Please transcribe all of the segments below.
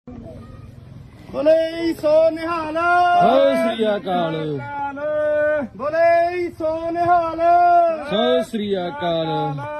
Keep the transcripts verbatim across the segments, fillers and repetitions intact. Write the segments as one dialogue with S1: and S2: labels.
S1: ਬੋਲੇ ਸੋ ਨਿਹਾਲ
S2: ਸਤਿ ਸ੍ਰੀ ਅਕਾਲ।
S1: ਬੋਲੇ ਸੋ ਨਿਹਾਲ
S2: ਸਤਿ ਸ੍ਰੀ ਅਕਾਲ।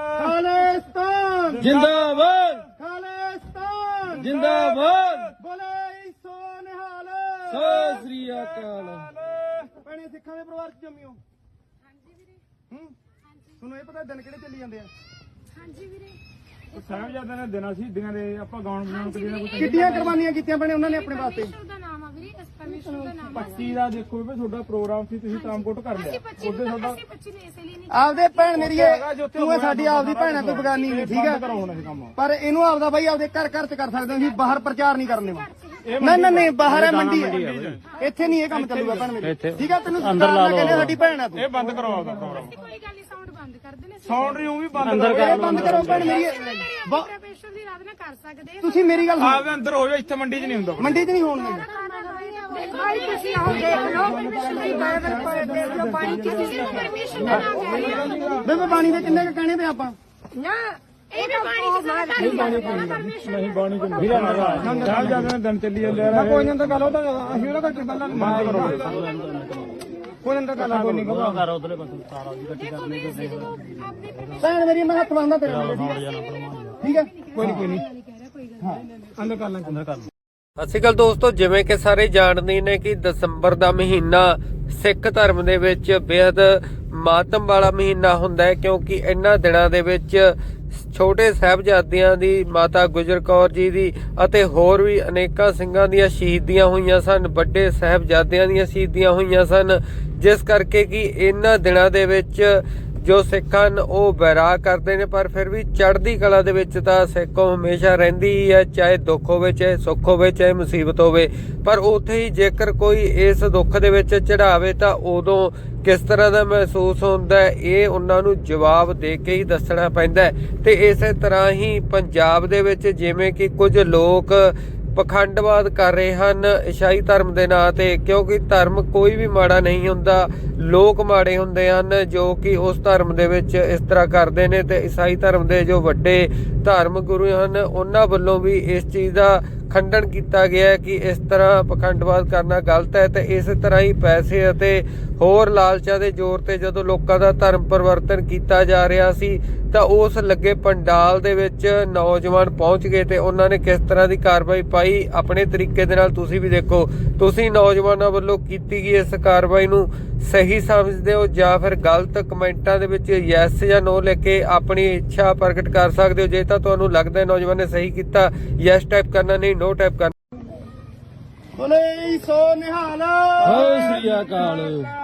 S1: ਖਾਲਿਸਤਾਨ
S2: ਜਿੰਦਾਬਾਦ
S1: ਖਾਲਿਸਤਾਨ
S2: ਜਿੰਦਾਬਾਦ।
S1: ਬੋਲੇ ਸੋ ਨਿਹਾਲ
S2: ਸਤਿ ਸ੍ਰੀ ਅਕਾਲ।
S1: ਭੈਣੇ ਸਿੱਖਾਂ ਦੇ ਪਰਿਵਾਰ ਚ ਜੰਮਿਓ?
S3: ਹਾਂਜੀ ਵੀਰੇ।
S1: ਹੂੰ ਤੁਹਾਨੂੰ ਇਹ ਪਤਾ ਦਿਨ ਕਿਹੜੇ ਚੱਲੀ ਜਾਂਦੇ ਆ?
S3: ਹਾਂਜੀ ਵੀਰੇ।
S4: ਸਾਹਿਬਜ਼ਾਦਿਆਂ ਨੇ ਦਿਨਾਂ ਸ਼ਹੀਦੀਆਂ ਦੇ ਆਪਾਂ ਗਾਉਣ ਬਣਾਉਣ ਤੇ ਜਿਹੜਾ ਕੁਝ
S1: ਕਿੱਡੀਆਂ ਕੁਰਬਾਨੀਆਂ ਕੀਤੀਆਂ ਭੈਣੇ ਉਹਨਾਂ ਨੇ ਆਪਣੇ ਵਾਸਤੇ?
S3: ਪਰਮੇਸ਼ਰ ਦਾ ਨਾਮ ਆ ਵੀਰੇ, ਇਸ ਪਰਮੇਸ਼ਰ ਦਾ ਨਾਮ ਆ।
S4: ਪੱਚੀ ਦਾ ਦੇਖੋ ਵੀ ਤੁਹਾਡਾ ਪ੍ਰੋਗਰਾਮ ਸੀ, ਤੁਸੀਂ ਟਰਾਂਸਪੋਰਟ ਕਰ ਲਿਆ
S3: ਅਸੀਂ ਪੱਚੀ
S4: ਉਹਦੇ
S3: ਨੂੰ
S4: ਤੁਹਾਡਾ
S3: ਅਸੀਂ ਪੱਚੀ ਨੂੰ ਇਸੇ ਲਈ ਨਹੀਂ
S1: ਆਪਦੇ ਭੈਣ ਮੇਰੀ ਇਹ ਤੂੰ ਇਹ ਸਾਡੀ ਆਪਦੀ ਭੈਣ ਆ, ਕੋਈ ਬਗਾਨੀ ਨਹੀਂ, ਠੀਕ
S4: ਬੰਦ ਕਰੋ
S1: ਹੈ?
S4: ਹੁਣ ਇਹ ਕੰਮ।
S1: ਪਰ ਇਹਨੂੰ ਆਪਦਾ ਬਾਈ ਆਪਦੇ ਘਰ ਘਰ ਚ ਕਰ ਸਕਦੇ ਹੋ, ਅਸੀਂ ਬਾਹਰ ਪ੍ਰਚਾਰ ਨਹੀਂ ਕਰਨੇ ਵਾ। ਨਹੀਂ ਨਹੀਂ ਨਹੀਂ ਬਾਹਰ ਹੈ, ਮੰਡੀ ਹੈ, ਇੱਥੇ ਨਹੀਂ ਇਹ ਕੰਮ ਚੱਲੂਗਾ ਭੈਣ ਮੇਰੀ, ਠੀਕ ਹੈ? ਤੈਨੂੰ ਅੰਦਰ ਲਾ ਲਓ, ਸਾਡੀ ਭੈਣ ਆ ਤੂੰ।
S4: ਇਹ ਬੰਦ ਕਰੋ ਆਪਦਾ ਪ੍ਰੋਗਰਾਮ।
S3: ਕੋਈ ਗੱਲ ਨਹੀਂ, ਸਾਊਂਡ ਬੰਦ ਕਰ ਦੇਣੇ।
S4: ਸਾਊਂਡ ਰਿਊ ਵੀ ਬੰਦ
S1: ਅੰਦਰ
S4: ਕਰੋ।
S1: ਇਹ ਬੰਦ ਕਰੋ ਭੈਣ ਮੇਰੀ। ਬ-
S3: ਪਰਮੇਸ਼ਰ ਦੀ ਆਰਾਧਨਾ ਕਰ ਸਕਦੇ
S1: ਤੁਸੀਂ ਮੇਰੀ ਗੱਲ ਸੁਣੋ,
S4: ਆਪਦੇ ਅੰਦਰ ਹੋ ਜਾਓ, ਇੱਥੇ ਮੰਡੀ 'ਚ ਨਹੀਂ ਹੁੰਦਾ।
S1: ਮੰਡੀ 'ਚ ਨਹੀਂ ਹੋਣ ਦਿੰਦੇ।
S3: ਭਾਈ ਤੁਸੀਂ ਆਓ ਦੇਖ ਲਓ, ਪਰਮੇਸ਼ਰ ਦੀ ਬਾਈਬਲ ਪੜ੍ਹ ਦੇਖ ਲਓ, ਪਾਣੀ ਕਿਸੇ ਨੂੰ ਪਰਮੇਸ਼ਰ ਦਾ ਨਾਮ ਕਹਿ ਰਹੇ ਆ।
S1: ਬੇਬੇ ਪਾਣੀ ਦੇ ਕਿੰਨੇ ਕ ਕਹਿਣੇ ਤੇ ਆਪਾਂ?
S3: ਨਾ ਇਹ ਵੀ ਪਾਣੀ ਕਿਸੇ ਦਾ ਨਹੀਂ ਪਰਮੇਸ਼ਰ
S4: ਨਹੀਂ ਬਾਣੀ ਚ ਵੀਰਾ ਨਾ ਸਾਹਿਬਜ਼ਾਦਿਆਂ ਨੇ ਦਿਨ ਚੱਲੀ ਜਾਂਦੇ ਆ। ਕੋਈ ਨਾ ਤਾਂ ਗੱਲ ਉਹਦਾ ਅਸੀਂ ਉਹਦਾ ਕਰਕੇ ਪਹਿਲਾਂ ਬੰਦ ਕਰੋ। ਕੋਈ ਨਾ ਤਾਂ ਗੱਲ ਕੋਈ ਨਹੀਂ ਕਰੋ ਕਰ ਉਧਰਲੇ ਪਾਸੇ ਸਾਰਾ ਜੀ ਇਕੱਠੀ
S3: ਦੇਖੋ ਵੀਰੇ, ਅਸੀਂ ਜਦੋਂ ਆਪਣੇ ਪਰਮੇਸ਼ਰ
S1: ਭੈਣ ਮੇਰੀ ਮੈਂ ਹੱਥ ਬੰਨਦਾ ਤੇਰੇ ਨਾਲ, ਠੀਕ ਹੈ? ਠੀਕ ਹੈ, ਕੋਈ ਨਹੀਂ ਕੋਈ ਨਹੀਂ ਅੰਦਰ ਕਰ ਲਾਂ ਅੰਦਰ ਕਰ ਲਾਂ।
S2: ਸਤਿ ਸ਼੍ਰੀ ਅਕਾਲ ਦੋਸਤੋ, ਜਿਵੇਂ ਕਿ ਸਾਰੇ ਜਾਣਦੇ ਨੇ ਕਿ ਦਸੰਬਰ ਦਾ ਮਹੀਨਾ ਸਿੱਖ ਧਰਮ ਦੇ ਵਿੱਚ ਬੇहद ਮਾਤਮ ਵਾਲਾ ਮਹੀਨਾ ਹੁੰਦਾ ਹੈ, ਕਿਉਂਕਿ ਇਹਨਾਂ ਦਿਨਾਂ ਦੇ ਵਿੱਚ ਛੋਟੇ ਸਾਹਿਬਜ਼ਾਦਿਆਂ ਦੀ, ਮਾਤਾ ਗੁਜਰ ਕੌਰ ਜੀ ਦੀ ਅਤੇ ਹੋਰ ਵੀ ਅਨੇਕਾਂ ਸਿੰਘਾਂ ਦੀਆਂ ਸ਼ਹੀਦੀਆਂ ਹੋਈਆਂ ਸਨ, ਵੱਡੇ ਸਾਹਿਬਜ਼ਾਦਿਆਂ ਦੀਆਂ ਸ਼ਹੀਦੀਆਂ ਹੋਈਆਂ ਸਨ, ਜਿਸ ਕਰਕੇ ਕਿ ਇਹਨਾਂ ਦਿਨਾਂ ਦੇ ਵਿੱਚ ਜੋ ਸਿੱਖ ਹਨ ਉਹ ਬੈਰਾਗ ਕਰਦੇ ਨੇ, ਪਰ ਫਿਰ ਵੀ ਚੜ੍ਹਦੀ ਕਲਾ ਦੇ ਵਿੱਚ ਤਾਂ ਸਿੱਖ ਕੌਮ ਹਮੇਸ਼ਾ ਰਹਿੰਦੀ ਹੀ ਹੈ, ਚਾਹੇ ਦੁੱਖ ਹੋਵੇ, ਚਾਹੇ ਸੁੱਖ ਹੋਵੇ, ਚਾਹੇ ਮੁਸੀਬਤ ਹੋਵੇ। ਪਰ ਉੱਥੇ ਹੀ ਜੇਕਰ ਕੋਈ ਇਸ ਦੁੱਖ ਦੇ ਵਿੱਚ ਚੜਾਵੇ ਤਾਂ ਉਦੋਂ ਕਿਸ ਤਰ੍ਹਾਂ ਦਾ ਮਹਿਸੂਸ ਹੁੰਦਾ ਹੈ, ਇਹ ਉਹਨਾਂ ਨੂੰ ਜਵਾਬ ਦੇ ਕੇ ਹੀ ਦੱਸਣਾ ਪੈਂਦਾ ਹੈ। ਤੇ ਇਸੇ ਤਰ੍ਹਾਂ ਹੀ ਪੰਜਾਬ ਦੇ ਵਿੱਚ ਜਿਵੇਂ ਕਿ ਕੁਝ ਲੋਕ ਪਖੰਡਵਾਦ ਕਰ ਰਹੇ ਹਨ ਈਸਾਈ ਧਰਮ ਦੇ ਨਾਂ ਤੇ, ਕਿਉਂਕਿ ਧਰਮ ਕੋਈ ਵੀ ਮਾੜਾ ਨਹੀਂ ਹੁੰਦਾ, ਲੋਕ ਮਾੜੇ ਹੁੰਦੇ ਹਨ ਜੋ ਕਿ ਉਸ ਧਰਮ ਦੇ ਵਿੱਚ ਇਸ ਤਰ੍ਹਾਂ ਕਰਦੇ ਨੇ। ਤੇ ਈਸਾਈ ਧਰਮ ਦੇ ਜੋ ਵੱਡੇ ਧਰਮ ਗੁਰੂ ਹਨ ਉਹਨਾਂ ਵੱਲੋਂ ਵੀ ਇਸ ਚੀਜ਼ ਦਾ ਖੰਡਨ ਕੀਤਾ ਗਿਆ ਹੈ ਕਿ ਇਸ ਤਰ੍ਹਾਂ ਪਖੰਡਵਾਦ ਕਰਨਾ ਗਲਤ ਹੈ। ਤੇ ਇਸੇ ਤਰ੍ਹਾਂ ਹੀ ਪੈਸੇ ਅਤੇ ਹੋਰ ਲਾਲਚਾਂ ਦੇ ਜ਼ੋਰ ਤੇ ਜਦੋਂ ਲੋਕਾਂ ਦਾ ਧਰਮ ਪਰਿਵਰਤਨ ਕੀਤਾ ਜਾ ਰਿਹਾ ਸੀ ਤਾਂ ਉਸ ਲੱਗੇ ਪੰਡਾਲ ਦੇ ਵਿੱਚ ਨੌਜਵਾਨ ਪਹੁੰਚ ਗਏ ਤੇ ਉਹਨਾਂ ਨੇ ਕਿਸ ਤਰ੍ਹਾਂ ਦੀ ਕਾਰਵਾਈ ਪਾਈ ਆਪਣੇ ਤਰੀਕੇ ਦੇ ਨਾਲ ਤੁਸੀਂ ਵੀ ਦੇਖੋ। ਤੁਸੀਂ ਨੌਜਵਾਨਾਂ ਵੱਲੋਂ ਕੀਤੀ ਗਈ ਇਸ ਕਾਰਵਾਈ ਨੂੰ ਸਹੀ ਸਮਝਦੇ ਹੋ ਜਾਂ ਫਿਰ ਗਲਤ? ਕਮੈਂਟਾਂ ਦੇ ਵਿੱਚ ਯੈਸ ਜਾਂ ਨੋ ਲਿਖ ਕੇ ਆਪਣੀ ਇੱਛਾ ਪ੍ਰਗਟ ਕਰ ਸਕਦੇ ਹੋ। ਜੇ ਤਾਂ ਤੁਹਾਨੂੰ ਲੱਗਦਾ ਹੈ ਨੌਜਵਾਨ ਨੇ ਸਹੀ ਕੀਤਾ, ਯੈਸ ਟਾਈਪ ਕਰਨਾ, ਨਹੀਂ ਨੋ ਟਾਈਪ ਕਰਨਾ।
S1: ਬੋਲੇ ਸੋ ਨਿਹਾਲ
S2: ਸਤਿ ਸ੍ਰੀ ਅਕਾਲ।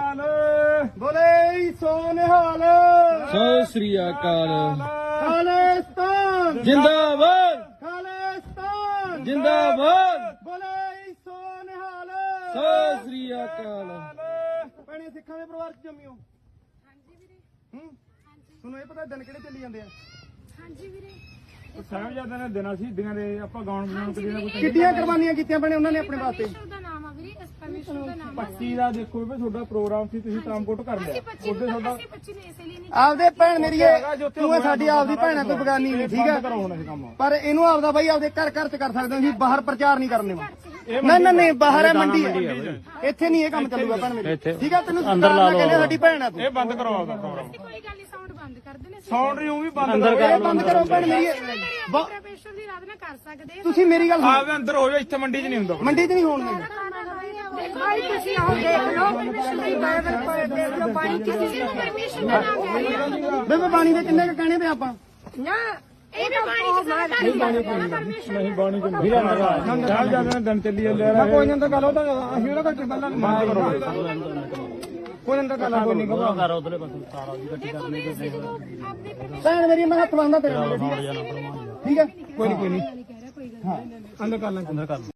S1: ਬੋਲੇ ਸੋ ਨਿਹਾਲ
S2: ਸਤਿ ਸ੍ਰੀ ਅਕਾਲ।
S1: ਖਾਲਿਸਤਾਨ
S2: ਜਿੰਦਾਬਾਦ
S1: ਖਾਲਿਸਤਾਨ
S2: ਜਿੰਦਾਬਾਦ।
S1: ਬੋਲੇ ਸੋ ਨਿਹਾਲ
S2: ਸਤਿ ਸ੍ਰੀ ਅਕਾਲ।
S1: ਭੈਣੇ ਸਿੱਖਾਂ ਦੇ ਪਰਿਵਾਰ ਚ ਜੰਮਿਓ?
S3: ਹਾਂਜੀ ਵੀਰੇ।
S1: ਹੂੰ ਤੁਹਾਨੂੰ ਇਹ ਪਤਾ ਦਿਨ ਕਿਹੜੇ ਚੱਲੀ ਜਾਂਦੇ ਆ?
S3: ਹਾਂਜੀ ਵੀਰੇ।
S4: ਸਾਹਿਬਜ਼ਾਦਿਆਂ ਨੇ ਦਿਨਾਂ ਸ਼ਹੀਦੀਆਂ ਦੇ ਆਪਾਂ ਗਾਉਣ ਬਣਾਉਣ ਤੇ ਜਿਹੜਾ ਕੁਝ
S1: ਕਿੱਡੀਆਂ ਕੁਰਬਾਨੀਆਂ ਕੀਤੀਆਂ ਭੈਣੇ ਉਹਨਾਂ ਨੇ ਆਪਣੇ ਵਾਸਤੇ?
S3: ਪਰਮੇਸ਼ਰ ਦਾ ਨਾਮ ਆ ਵੀਰੇ, ਇਸ ਪਰਮੇਸ਼ਰ ਦਾ ਨਾਮ ਆ।
S4: ਪੱਚੀ ਦਾ ਦੇਖੋ ਵੀ ਤੁਹਾਡਾ ਪ੍ਰੋਗਰਾਮ ਸੀ, ਤੁਸੀਂ ਟਰਾਂਸਪੋਰਟ ਕਰ ਲਿਆ
S3: ਅਸੀਂ ਪੱਚੀ
S4: ਉਹਦੇ
S3: ਨੂੰ
S4: ਤੁਹਾਡਾ
S3: ਅਸੀਂ ਪੱਚੀ ਨੂੰ ਇਸੇ ਲਈ ਨਹੀਂ
S1: ਆਪਦੇ ਭੈਣ ਮੇਰੀ ਇਹ ਤੂੰ ਇਹ ਸਾਡੀ ਆਪਦੀ ਭੈਣ ਆ, ਕੋਈ ਬਗਾਨੀ ਨਹੀਂ, ਠੀਕ
S4: ਬੰਦ ਕਰੋ
S1: ਹੈ?
S4: ਹੁਣ ਇਹ ਕੰਮ।
S1: ਪਰ ਇਹਨੂੰ ਆਪਦਾ ਬਾਈ ਆਪਦੇ ਘਰ ਘਰ ਚ ਕਰ ਸਕਦੇ ਹੋ, ਅਸੀਂ ਬਾਹਰ ਪ੍ਰਚਾਰ ਨਹੀਂ ਕਰਨੇ ਵਾ। ਨਹੀਂ ਨਹੀਂ ਨਹੀਂ ਬਾਹਰ ਹੈ, ਮੰਡੀ ਹੈ, ਇੱਥੇ ਨਹੀਂ ਇਹ ਕੰਮ ਚੱਲੂਗਾ ਭੈਣ ਮੇਰੀ, ਠੀਕ ਹੈ? ਤੈਨੂੰ ਅੰਦਰ ਲਾ ਲਓ, ਸਾਡੀ ਭੈਣ ਆ ਤੂੰ।
S4: ਇਹ ਬੰਦ ਕਰੋ ਆਪਦਾ ਪ੍ਰੋਗਰਾਮ।
S3: ਕੋਈ ਗੱਲ ਨਹੀਂ, ਸਾਊਂਡ ਬੰਦ ਕਰ ਦੇਣੇ।
S4: ਸਾਊਂਡ ਰਿਊ ਵੀ ਬੰਦ
S1: ਇਹ
S4: ਕਰੋ।
S1: ਬੰਦ ਕਰੋ ਭੈਣ ਮੇਰੀ। ਬ-
S3: ਪਰਮੇਸ਼ਰ ਦੀ ਆਰਾਧਨਾ ਕਰ ਸਕਦੇ
S1: ਤੁਸੀਂ ਮੇਰੀ ਗੱਲ ਸੁਣੋ,
S4: ਆਪਦੇ ਅੰਦਰ ਹੋ ਜਾਓ, ਇੱਥੇ ਮੰਡੀ 'ਚ ਨਹੀਂ ਹੁੰਦਾ।
S1: ਮੰਡੀ 'ਚ ਨਹੀਂ ਹੋਣ ਦਿੰਦੇ।
S3: ਭਾਈ ਤੁਸੀਂ ਆਓ ਦੇਖ ਲਓ, ਪਰਮੇਸ਼ਰ ਦੀ ਬਾਈਬਲ ਪੜ੍ਹ ਦੇਖ ਲਓ, ਪਾਣੀ ਕਿਸੇ ਨੂੰ ਪਰਮੇਸ਼ਰ ਦਾ ਨਾਮ ਕਹਿ ਰਹੇ ਆ।
S1: ਬੇਬੇ ਪਾਣੀ ਦੇ ਕਿੰਨੇ ਕ ਕਹਿਣੇ ਤੇ ਆਪਾਂ?
S3: ਨਾ ਇਹ ਵੀ ਪਾਣੀ ਕਿਸੇ ਦਾ ਨਹੀਂ ਪਰਮੇਸ਼ਰ
S4: ਨਹੀਂ ਬਾਣੀ ਚ ਵੀਰਾ ਨਾ ਸਾਹਿਬਜ਼ਾਦਿਆਂ ਨੇ ਦਿਨ ਚੱਲੀ ਜਾਂਦੇ ਆ। ਕੋਈ ਨਾ ਤਾਂ ਗੱਲ ਉਹਦਾ ਅਸੀਂ ਉਹਦਾ ਕਰਕੇ ਪਹਿਲਾਂ ਬੰਦ ਕਰੋ। ਕੋਈ ਨਾ ਤਾਂ ਗੱਲ ਕੋਈ ਨਹੀਂ ਕਰੋ ਕਰ ਉਧਰਲੇ ਪਾਸੇ ਸਾਰਾ ਜੀ ਇਕੱਠੀ
S3: ਦੇਖੋ ਵੀਰੇ, ਅਸੀਂ ਜਦੋਂ ਆਪਣੇ ਪਰਮੇਸ਼ਰ
S1: ਭੈਣ ਮੇਰੀ ਮੈਂ ਹੱਥ ਬੰਨਦਾ ਤੇਰੇ ਨਾਲ, ਠੀਕ ਹੈ? ਠੀਕ ਹੈ, ਕੋਈ ਨਹੀਂ ਕੋਈ ਨਹੀਂ
S3: ਕਹਿ ਰਿਹਾ, ਕੋਈ ਗੱਲ ਨਹੀਂ।
S1: ਅੰਦਰ ਕਰ ਲਾਂ ਅੰਦਰ ਕਰ